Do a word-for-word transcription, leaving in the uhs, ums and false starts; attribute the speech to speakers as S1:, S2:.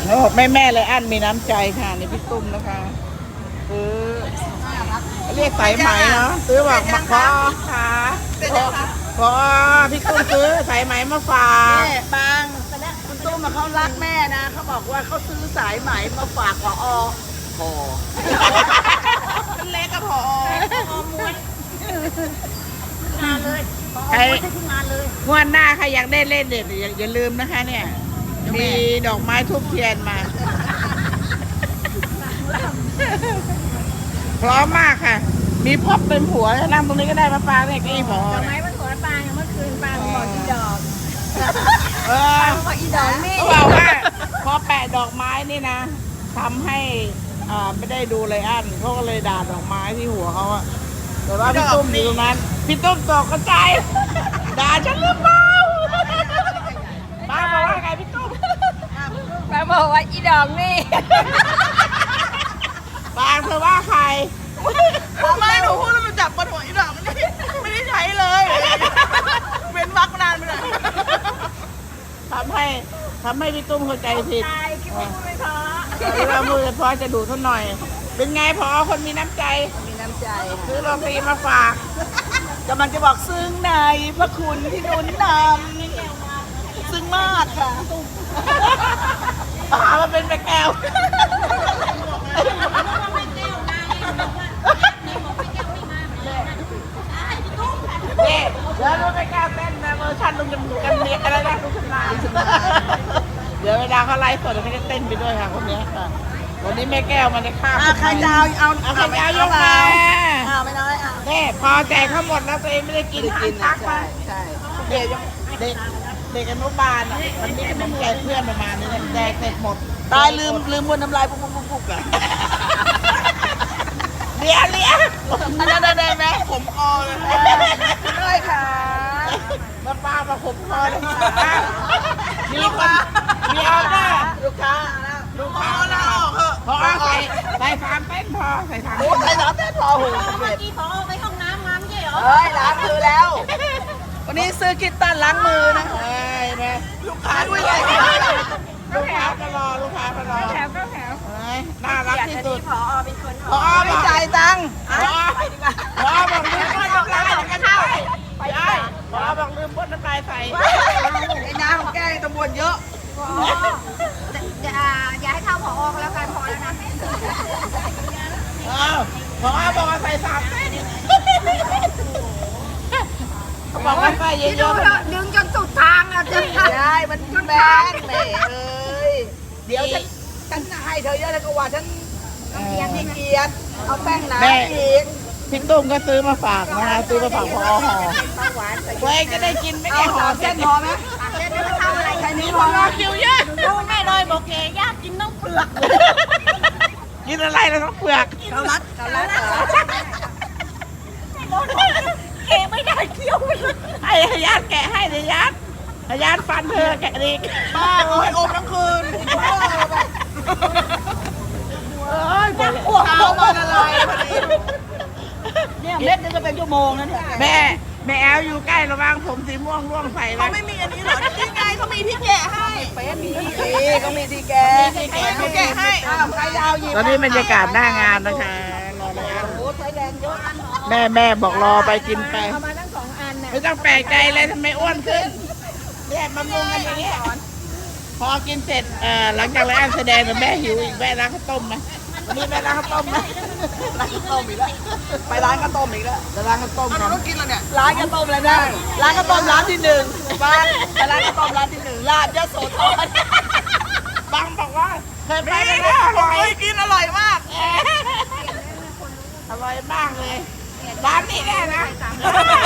S1: แล้วบอกแม่แม่เลยอันมีน้ำใจค่ะนี่พี่ตุ้มนะคะซื้อเรียกสายไหมเนาะซื้อบอกมาขอค่ะขอพี่ตุ้มซื้อสายไหมมาฝากแม่บางคุณตุ้มมาเขารักแม่นะเขาบอกว่าเขาซื้อสายไหมมาฝากขอพอเป็นเล็กกับพอพอม้วนงานเลยใครงานเลยงวดหน้าใครอยากได้เล่นเด็ดอย่าลืมนะคะเนี่ยมีดอกไม้ทุบเทียนมาพร้อมมากค่ะมีพบเป็นผัวนั่งตรงนี้ก็ได้มาปางเนี่ยกี่พอดอกไม้เป็นผัวปางเมื่อคืนปางบอกอีดอกเออบอกอีดอกนี่เขาบอกว่าพอแปะดอกไม้นี่นะทำให้อ่าไม่ได้ดูเลยอันเขาก็เลยด่าดอกไม้ที่หัวเขาอะแต่ว่าพี่ตุ้มอยู่ตรงนั้นพี่ตุ้มตกกระจายด่าฉันหรือเปล่าป้าบอกว่าไงพี่ตุ้มป้าบอกว่าอีดอกนี่ป้าเธอว่าใครไม่หนูพูดแล้วมันจับบนหัวอีดอกนี่ไม่ได้ใช้เลยเว้นวักนานไปหน่อยทำให้ทำให้พี่ตุ้มเข้าใจผิดคิดว่าพูดไม่พอเวลาพูดไม่พอจะดูเท่าหน่อยเป็นไงพอคนมีน้ำใจมีน้ำใจซื้อโรตีมาฝากกำลังจะบอกซึ้งในพระคุณที่นุนนำซึ้งมากค่ะปลามันเป็นแม่แก้วนี่แล้วรู้ไหมแก้วเต้นนะเวอร์ชันลุงจมูกกันเมียอะไรนะลุงชำนาญเดี๋ยวเวลาเขาไลฟ์สดเขาจะเต้นไปด้วยค่ะคนนี้ค่ะวันนี้แม่แก้วมาในข้าวใครจะเอาเอาเอาใครจะเอายกมาเอาไม่น้อยอ่ะนี่พอแจกทั้งหมดแล้วตัวเองไม่ได้กินกินทักมาใช่เด็กเด็กเด็กอนุบาลอ่ะมันมีขนมแจกเพื่อนประมาณนี้แจกเสร็จหมดตายลืมลืมบนน้ำลายปุ๊บปุ๊บปุ๊บปุ๊บอ่ะเลี้ยเลี้ยได้ได้ได้ไหมผมคอเลยด้วยค่ะมาป้ามาผมคอเลยค่ะมีคนมีออเดอร์ลูกค้าลูกค้าแล้วพอใส่ใส่สามเต้นพอใส่สามใส่สามเต้นพอหูเมื่อกี้พอไปห้องน้ำมาไม่ใช่เหรอเฮ้ยล้างมือแล้ววันนี้ซื้อกิตตันล้างมือนะเฮ้ยนะลูกค้าด้วยลูกค้าก็รอลูกค้าก็รอแถวก็แถวน่ารักที่สุดพอเป็นคนพอไม่จ่ายตังค์พอพอบอกลืมพ่นน้ำลายกันเข้าไปได้พอบอกลืมพ่นน้ำลายใส่ไอ้น้ำของแกตำรวจเยอะ
S2: อย่าอย่าให้เท่าผอก็แล้วกันพอแล้วนะ
S1: พอบอกว่าใส่สามเส้นเขาบอกว่าใส่เยอะ
S2: ๆดึงจนสุดทางอ่ะจะ
S1: ได้มันแบนแหมเอ้ยเดี๋ยวฉันฉันให้เธอเยอะแล้วก็ว่าฉันเกียรติเกียรติเอาแป้งหนาอีกพี่ตุ้มก็ซื้อมาฝากนะคะซื้อมาฝากพอห่อตัวเองจะได้กินไม่แค่ห่อเส้นพอไหม
S2: เส้นไม่ทำอะไรใคร
S1: มีคนรอคิวเยอะ
S2: ดูแม่เลยบอกแกยากกินน้องเปลือก
S1: กินอะไรแล้วต้องเปลือก
S2: เกาลัดเกาลัดแกไม่ได้เคี้ยว
S1: ให้ญาติแกะให้เดี๋ยวญาติญาติฟันเธอแกะดีป้าเอาให้อมทั้งคืนเอ้ยนักอ้วกเอามาละลายพอดี
S2: เนี่ยเม็ดนึงก็เป็นชั่วโมงนะเนี่ย
S1: แม่แม่แอลอยู่ใกล้ระวังผมสีม่วงร่วงใส่
S2: เขาไม่มีอันนี้หรอที่ไงเขามีที่แกะให้
S1: เป็นมีที่เขามีที่แกะ
S2: ที่แกะที่แกะให้
S1: ใครเอาหยิบตอนนี้บรรยากาศหน้างานนะคะรอแล้วโอ้ใช้แรงเยอะแม่แม่บอกรอไปกินไป
S2: เอามาทั้งสองอันน่ะ
S1: ไม่ต้องแปลกใจเลยทำไมอ้วนขึ้นเนี่ยมามุงกันอย่างนี้พอกินเสร็จเอ่อหลังจากแล้วแสดงแต่แม่หิวอีกแม่ร้านข้าวต้มไหมวันนี้แม่ร้านข้าวต้มไหมร้านข้าวต้มอีกแล้วไปร้านข้าวต้มอีกแล้วจะร้านข้าวต้มกันต้องกินแล้วเนี่ยร้านข้าวต้มเลยนะร้านข้าวต้มร้านที่หนึ่งบ้านร้านข้าวต้มร้านที่หนึ่งร้านยโสธรบางบอกว่าเคยไปแล้วอร่อยกินอร่อยมากอร่อยมากเลยร้านนี้แน่นะ